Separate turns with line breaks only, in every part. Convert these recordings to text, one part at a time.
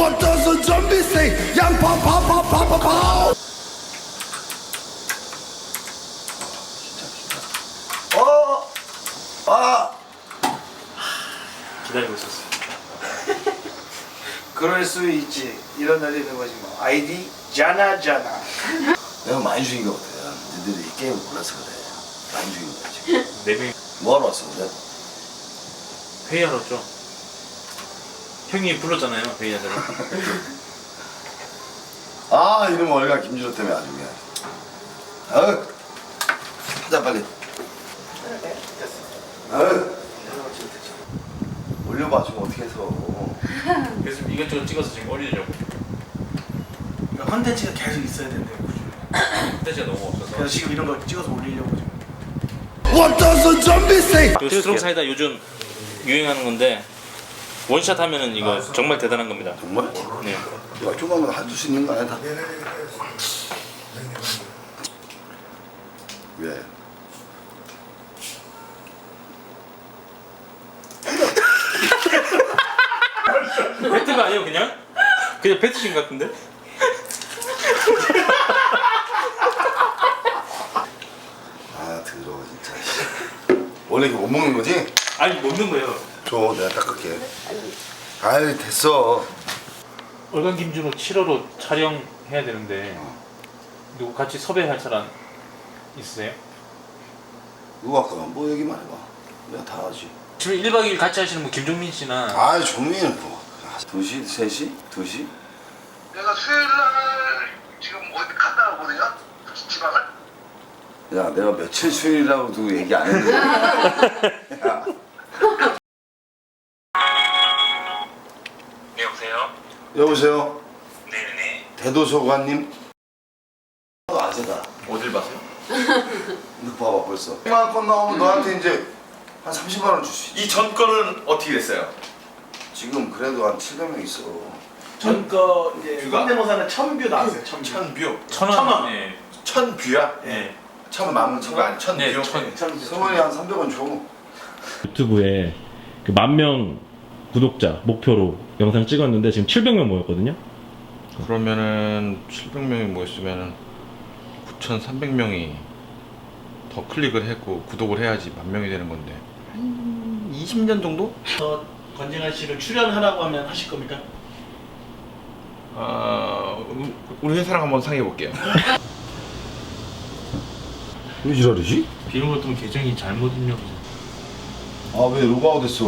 What does the zombie say? Yang pow pow pow pow pow pow.
기다리고 있었어.
그럴 수 있지. 이런 날이 있는 거지 뭐. 아이디 자나자나.
내가 많이 죽인 것 같아. 너희들이 이 게임을 몰라서 그래. 많이 죽인 거야 지금.
4명이
뭐하러 왔어 근데?
회의하러 왔죠. 형이 불렀잖아요, 회의하자고.
아 이놈 얼가 김준호 때문에 아주 그냥. 아유 하자 빨리. 아유 올려봐 지금 어떻게 해서.
그래서 이것저것 찍어서 지금 올리려고.
그러니까 컨텐츠가 계속 있어야 된대요.
콘텐츠가 너무 없어서.
그래서 지금 이런 거 찍어서 올리려고 지금.
What does the zombie say?
그 스트롱 사이다 요즘 유행하는 건데 원샷 하면은 이거 정말 대단한 겁니다.
정말?
네.
야 조금만 해줄 수 있는 거 아니야 다? 왜?
배트가 아니에요 그냥? 그냥 배트신 것 같은데?
아 더러워 진짜. 원래 이거 못 먹는 거지?
아니 먹는 거예요.
줘 내가 닦을게. 아이 됐어.
얼간 김준호 7호로 촬영해야 되는데 누구 같이 섭외할 사람 있으세요?
누가 아까 뭐 얘기만 해봐. 내가 다 하지.
지금 1박 2일 같이 하시는 분 김종민 씨나
아이 종민은 뭐 2시? 3시? 2시?
내가 수요일날 지금 어디 갔다 왔거든요. 지방을.
야 내가 며칠 수요일이라고도 얘기 안 했는데. 야.
네, 여보세요?
여보세요?
네네네.
대도서관님? 아재다.
어딜 봐세요?
이거 봐봐 벌써 100만 건 나오면 너한테 이제 한 30만 원 줄 수 있지.
이 전 거는 어떻게 됐어요?
지금 그래도 한 700명 있어.
전거 이제
뷰가?
성대모사는 천뷰 나왔어요. 천뷰.
천뷰.
천원. 네.
천뷰야?
네.
천만 뷰가 아니 천뷰.
네, 천.
천뷰.
성원이 한 300원 줘.
유튜브에 그 10,000명 구독자 목표로 영상 찍었는데 지금 700명 모였거든요.
그러면은 700명이 모였으면은 9,300명이 더 클릭을 했고 구독을 해야지 10,000명이 되는 건데 한 20년 정도?
저 권진환 씨를 출연하라고 하면 하실 겁니까?
우리 회사랑 한번 상의해 볼게요.
왜 지랄이지?
비밀 같은 계정이 잘못 입력해서.
아 왜 로그아웃 했어?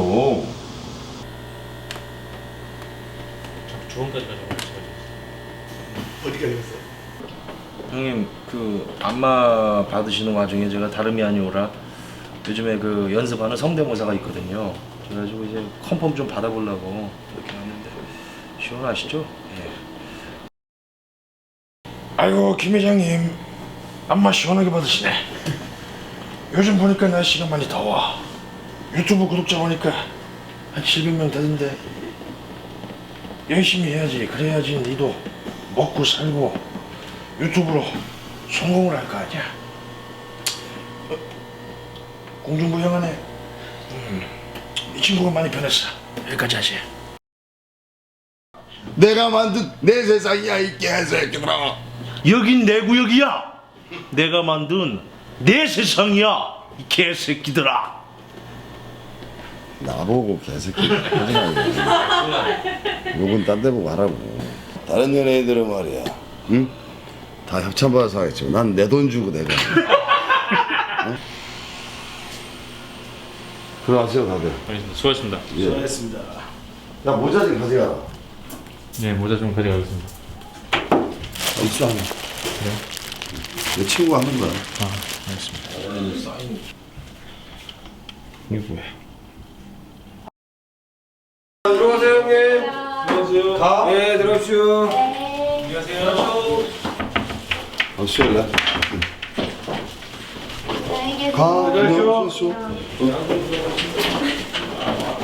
조언까지 가져가고
어디가 되겠어요?
형님 그 안마 받으시는 와중에 제가 다름이 아니오라 요즘에 그 연습하는 성대모사가 있거든요. 그래가지고 이제 컨펌 좀 받아보려고 이렇게 왔는데 시원하시죠? 예.
아이고 김 회장님 안마 시원하게 받으시네. 요즘 보니까 날씨가 많이 더워. 유튜브 구독자 보니까 한 700명 되던데 열심히 해야지. 그래야지 니도 먹고 살고 유튜브로 성공을 할 거 아니야. 공중부양하네. 이 친구가 많이 변했어. 여기까지 하지.
내가 만든 내 세상이야 이 개새끼들아.
여긴 내 구역이야. 내가 만든 내 세상이야. 이 개새끼들아.
나보고 개새끼 하지 말고. 욕은 딴 데 보고 하라고. 다른 연예인들은 말이야, 응? 다 협찬받아서 하겠지만 난 내 돈 주고 내가. 응? 들어가세요 다들.
알겠습니다. 수고하셨습니다.
예.
수고하셨습니다.
야 모자 좀 가져가라.
네, 모자 좀 가져가겠습니다.
입수 하나. 내 친구가 하는 거야.
알겠습니다.
이게 뭐야?
들어가세요 형님. 들어가세요. 가. 네 들어가십시오.
안녕하세요.
수요일 날. 가.
들어가십시오.
수고하십시오.